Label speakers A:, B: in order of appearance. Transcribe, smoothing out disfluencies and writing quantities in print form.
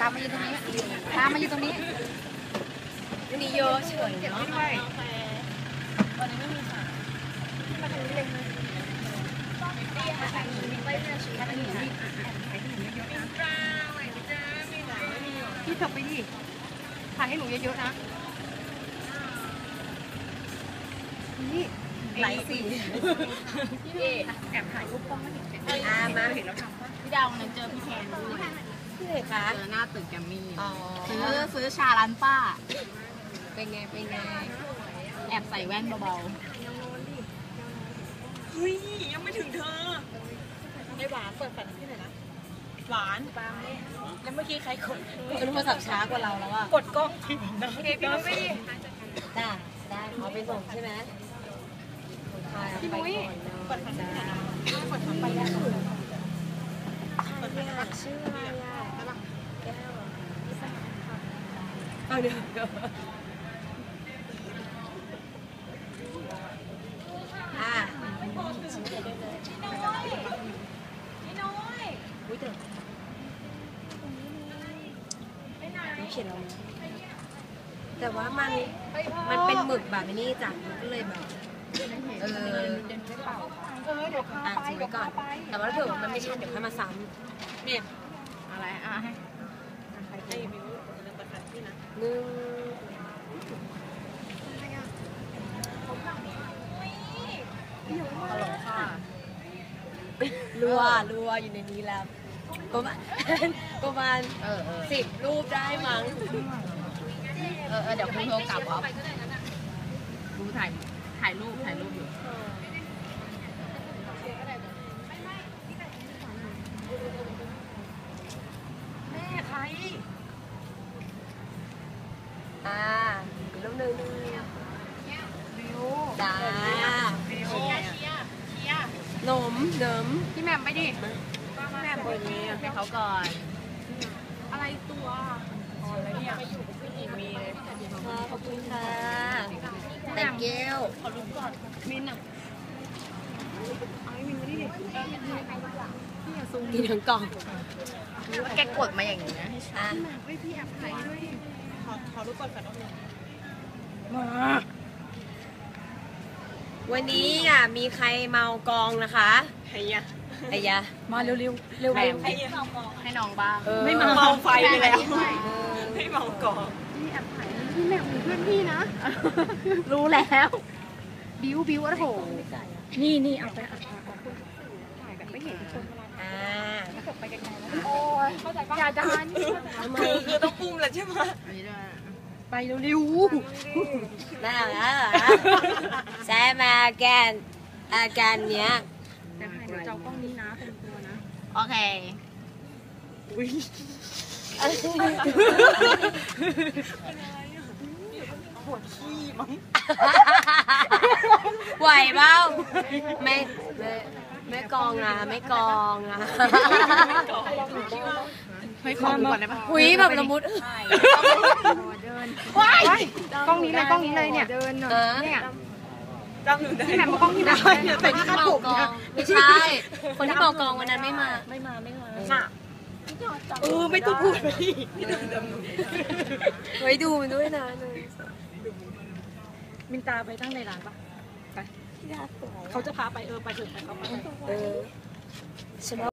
A: ตามมาอยู่ตรงนี้ตามมาอยู่ตรงนี้นี่เยอะเฉยเนาะวันนี้ไม่มีค่ะมาถึงนี่เลยพี่ทำไปดิถ่ายให้หนูเยอะๆนะนี่ไหลสีพี่แอบถ่ายรูปกล้องมาเห็นมาเห็นแล้วทำป่ะพี่ดาวนั้นเจอพี่แทนด้วยพี่เลยคะเจอหน้าตึกแกมมี่ซื้อชาร้านป้าเป็นไงแอบใส่แว่นเบา
B: เฮ้ยยังไม่ถึงเธอไอ้หวานเปิดแฟลชที่ไหนนะหวานแล้วเมื่อกี้ใครกด
A: โทรศัพท์ช้ากว่าเราแล้วอะ
B: กดกล้องพี่นุ้ยไม่
A: ได้เอาไปส่งใช่ไหมพี่นุ้ย
B: กดทำได้กดทำไปได้ชื่ออะไรอ่ะแก้วเอาเดี๋ยวเขียนเราแต่ว่ามันเป็นหมึกแบบนี้จ้ะมันก็เลยแบบเดี๋ยวข้าไปไว้ก่อนแต่ว่าถ้าเกิดมันไม่ใช่เดี๋ยวค่อยมาซ้ำเนี่ยอะไรให้มิวเรื่องประทัดที่นะฮัลโหลค่ะรัวอยู่ในนี้แล้วประมาณ10 รูปได้มั้ง
A: เดี๋ยวคุณโทรกลับเหรอดูถ่ายรูปอยู่
B: แม่ใคร
A: รูปนึง
B: บิว
A: จ้าหนมพี่แหม่มไปดิ
B: แม่บนนี้
A: ให้เขาก่อน
B: อะไรตัวอะไรเนี่ยมีเลย
A: ขอบคุณค่ะแต่เกล
B: ขอรูปก่อนมินอ่ะเอาให้มินมาดิพี่อย่าซูม
A: กินทั้งกล่องแกกดมาอย่างนี้นะ
B: พี่แอบถ่ายด้วยขอรูปก่อนกันมา
A: วันนี้มีใครเมากองนะคะ
B: ไอ้ยะ
A: มาเร็วให้น้องบ้าง
B: ไม่เมาไฟไปแล้วไม่เมากอง
A: พี่แอบถ่ายพี่แม่เพื่อนพี่นะรู้แล้วบิ้วโอ้โหนี่เอาไปถ่ายแบบไม่เห็นคนถ้าเกิดไปไกลๆแล้วโอ้ยเข้าใจป่ะอย่าดัน
B: คือต้องปุ้มแหละใช่ไหม
A: ไปเร็วๆน่าแซมอาการเนี้ย
B: แต่ให้เจ้ากล้องนี้นะเป็นตัวนะ
A: โอเค
B: ปวดขี้มั้ง
A: ไหวเปล่าไม่กองนะไม่ขอก่อนได้ปะหุยแบบละมุดว้ายกล้องนี้เลยเนี่ย
B: ที่แม่มากล้องที่ไหน
A: แต่ที่เมากองไม่ใช่คนที่เมากองวันนั้นไม่มา
B: ไม่ต้องพูดไป
A: ไว้ดูมันด้วยนะ
B: มินตาไปตั้งในร้านปะไปเขาจะพาไปไปถึงไปเขาไป